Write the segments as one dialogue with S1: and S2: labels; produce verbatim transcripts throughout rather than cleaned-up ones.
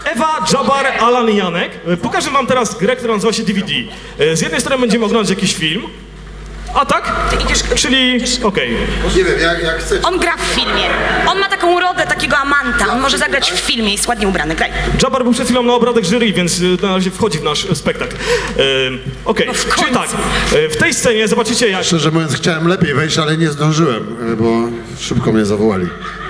S1: Ewa, Jabbar, Alan i Janek. Pokażę wam teraz grę, która nazywa się D V D. Z jednej strony będziemy oglądać jakiś film, a tak?
S2: Ty idziesz...
S1: Czyli, okej.
S3: Nie wiem, jak, jak chcesz.
S2: On gra w filmie. On ma taką urodę takiego amanta. On może zagrać w filmie, jest ładnie ubrany. Graj.
S1: Jabbar był przed chwilą na obradach jury, więc y, na razie wchodzi w nasz spektakl. Yy, okej,
S2: No w
S1: czyli
S2: końcu.
S1: tak, y, w tej scenie zobaczycie jak...
S3: Szczerze mówiąc, chciałem lepiej wejść, ale nie zdążyłem, bo szybko mnie zawołali.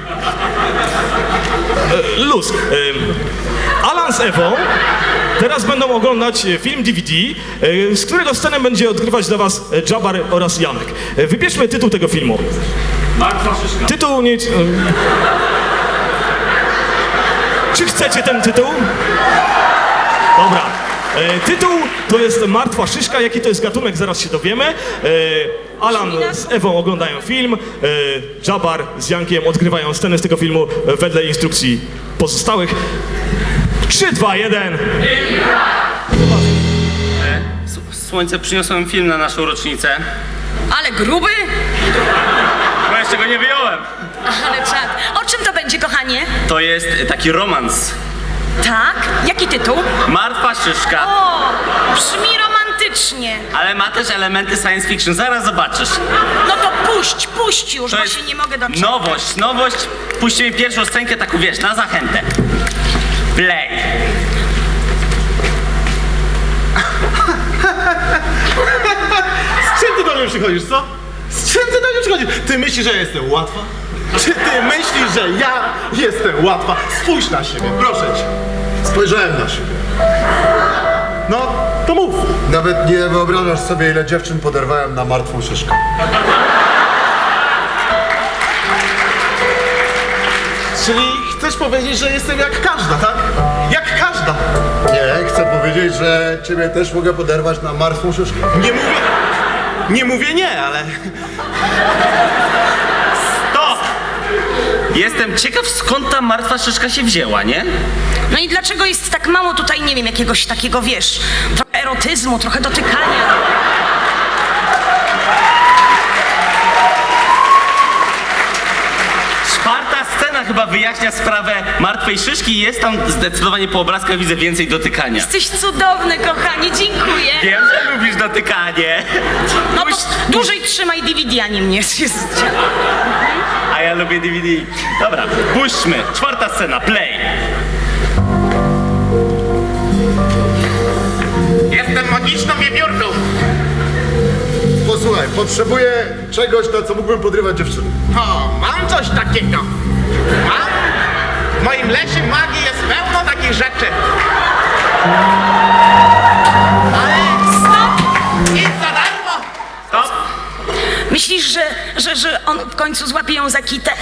S1: y, Luz. Y, Alan z Ewą teraz będą oglądać film D V D, y, z którego scenę będzie odgrywać dla was Jabbar oraz Janek. Y, Wybierzmy tytuł tego filmu.
S4: Martwa szyszka.
S1: Tytuł nie... y, Czy chcecie ten tytuł? Dobra. E, tytuł to jest Martwa szyszka. Jaki to jest gatunek, zaraz się dowiemy. E, Alan z Ewą oglądają film. E, Jabbar z Jankiem odgrywają scenę z tego filmu e, wedle instrukcji pozostałych. trzy, dwa, jeden.
S4: Słońce, przyniosłem film na naszą rocznicę.
S2: Ale gruby?
S4: Bo jeszcze go nie wyjąłem.
S2: Ale czad. O czym to będzie, kochanie?
S4: To jest taki romans.
S2: Tak? Jaki tytuł?
S4: Martwa szyszka.
S2: O, brzmi romantycznie.
S4: Ale ma też elementy science fiction. Zaraz zobaczysz.
S2: No to puść, puść już,
S4: To
S2: bo
S4: jest
S2: się nie mogę doczekać.
S4: nowość, nowość. Puścimy pierwszą scenkę, taką wiesz, na zachętę. Play.
S5: Z czym ty do mnie przychodzisz, co? Z czym ty do mnie przychodzisz? Ty myślisz, że ja jestem łatwa? Czy ty myślisz, że ja jestem łatwa? Spójrz na siebie, proszę cię.
S3: Spojrzałem na siebie.
S5: No, to mów.
S3: Nawet nie wyobrażasz sobie, ile dziewczyn poderwałem na martwą szyszkę.
S5: Czyli chcesz powiedzieć, że jestem jak każda, tak? Jak każda.
S3: Nie, chcę powiedzieć, że ciebie też mogę poderwać na martwą szyszkę.
S5: Nie mówię... Nie mówię nie, ale...
S4: Stop! Jestem ciekaw, skąd ta martwa szyszka się wzięła, nie?
S2: No i dlaczego jest tak mało tutaj, nie wiem, jakiegoś takiego, wiesz, trochę erotyzmu, trochę dotykania.
S4: Czwarta scena chyba wyjaśnia sprawę martwej szyszki i jest tam zdecydowanie po obrazkach widzę więcej dotykania.
S2: Jesteś cudowny, kochanie, dziękuję.
S4: Wiem, że lubisz dotykanie.
S2: No
S4: Puść-
S2: to dłużej trzymaj D V D, a nie mnie.
S4: A ja lubię D V D. Dobra, puśćmy. Czwarta scena, play.
S5: Jestem magiczną wiewiórką.
S3: Posłuchaj, potrzebuję czegoś, na co mógłbym podrywać dziewczyny.
S5: O, mam coś takiego. Mam. W moim lesie magii jest pełno takich rzeczy. Ale...
S2: Stop!
S5: Nic za darmo.
S4: Stop.
S2: Myślisz, że, że, że on w końcu złapie ją za kitę?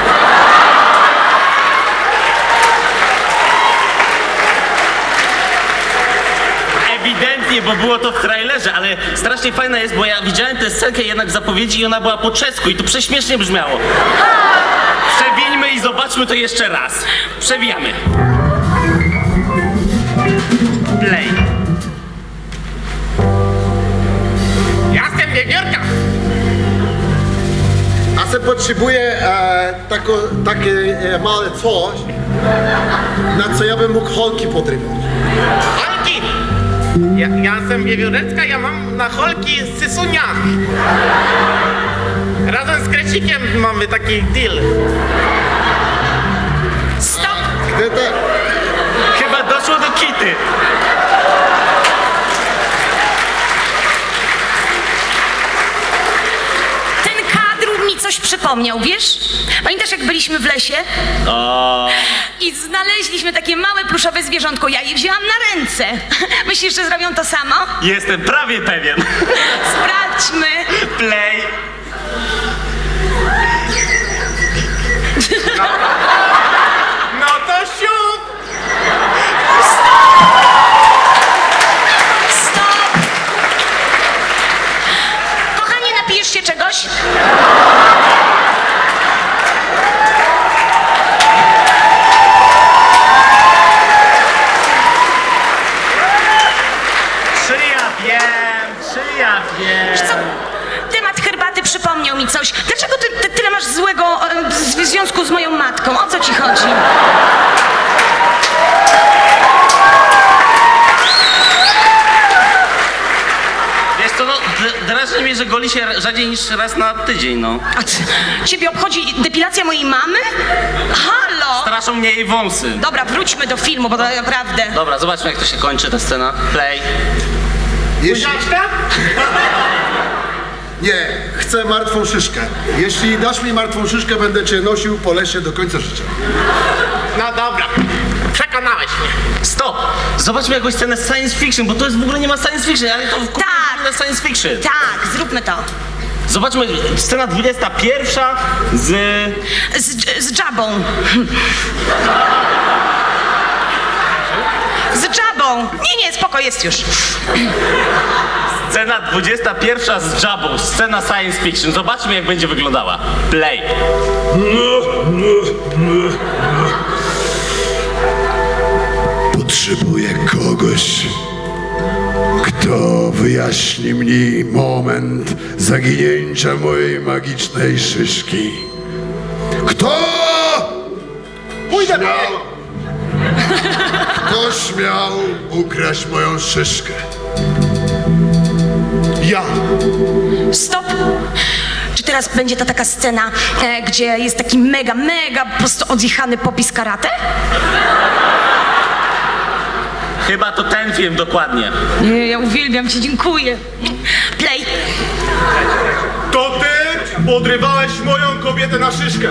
S4: Ewidentnie, bo było to w trailerze, ale strasznie fajna jest, bo ja widziałem tę scenkę jednak w zapowiedzi i ona była po czesku i to prześmiesznie brzmiało. Przewińmy i zobaczmy to jeszcze raz. Przewijamy. Play.
S5: Jestem wiewiórka.
S3: A se potrzebuję e, tako, takie e, małe coś, na co ja bym mógł holki podrywać.
S5: Holki. Ja, ja jestem wiewióreczka, ja mam na holki sysunia. Razem z Kresikiem mamy taki deal.
S2: Stop!
S3: Ty te,
S4: Chyba doszło do kity.
S2: Ten kadr mi coś przypomniał, wiesz? Pamiętasz, jak byliśmy w lesie?
S4: O,
S2: I znaleźliśmy takie małe pluszowe zwierzątko. Ja je wzięłam na ręce. Myślisz, że zrobią to samo?
S4: jestem prawie pewien.
S2: Sprawdźmy.
S4: Play.
S5: No to siup.
S2: Stop! Kochanie, napijesz się czegoś?
S4: Czy ja wiem, czy ja wiem.
S2: Wiesz co? Temat herbaty przypomniał mi coś. Dlaczego ty, ty tyle masz złego e, w związku z moją matką? O co ci chodzi?
S4: no, d- drażni mnie, że goli się rzadziej niż raz na tydzień, no.
S2: A ty, ciebie obchodzi depilacja mojej mamy? Halo!
S4: Straszą mnie jej wąsy.
S2: Dobra, wróćmy do filmu, bo to naprawdę...
S4: Dobra, zobaczmy jak to się kończy ta scena. Play.
S3: Jeśli... Nie, chcę martwą szyszkę. Jeśli dasz mi martwą szyszkę, będę cię nosił po lesie do końca życia.
S5: No dobra, przekonałeś mnie.
S4: Stop! Zobaczmy jakąś scenę science fiction, bo to jest w ogóle nie ma science fiction, ale to w
S2: Tak.
S4: na science fiction.
S2: Tak, zróbmy to.
S4: Zobaczmy, scena dwudziesta pierwsza z...
S2: Z, z Jabą. Z Jabą. Nie, nie, spoko, jest już.
S4: Scena dwudziesta pierwsza z Jabą, scena science fiction. Zobaczmy jak będzie wyglądała. Play.
S6: Potrzebuję kogoś, kto wyjaśni mi moment zaginięcia mojej magicznej szyszki. Kto?
S5: Pójdę
S6: śmiał, Kto śmiał ukraść moją szyszkę?
S5: Ja.
S2: Stop! Czy teraz będzie ta taka scena, e, gdzie jest taki mega, mega po prostu odjechany popis karate?
S4: Chyba to ten film dokładnie.
S2: Nie, ja uwielbiam cię, dziękuję. Play.
S5: To ty podrywałeś moją kobietę na szyszkę.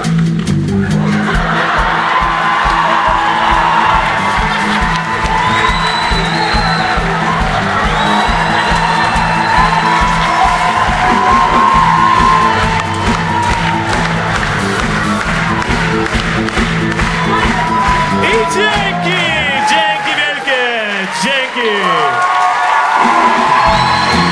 S1: I dzięki! Dzięki wielkie! Dzięki!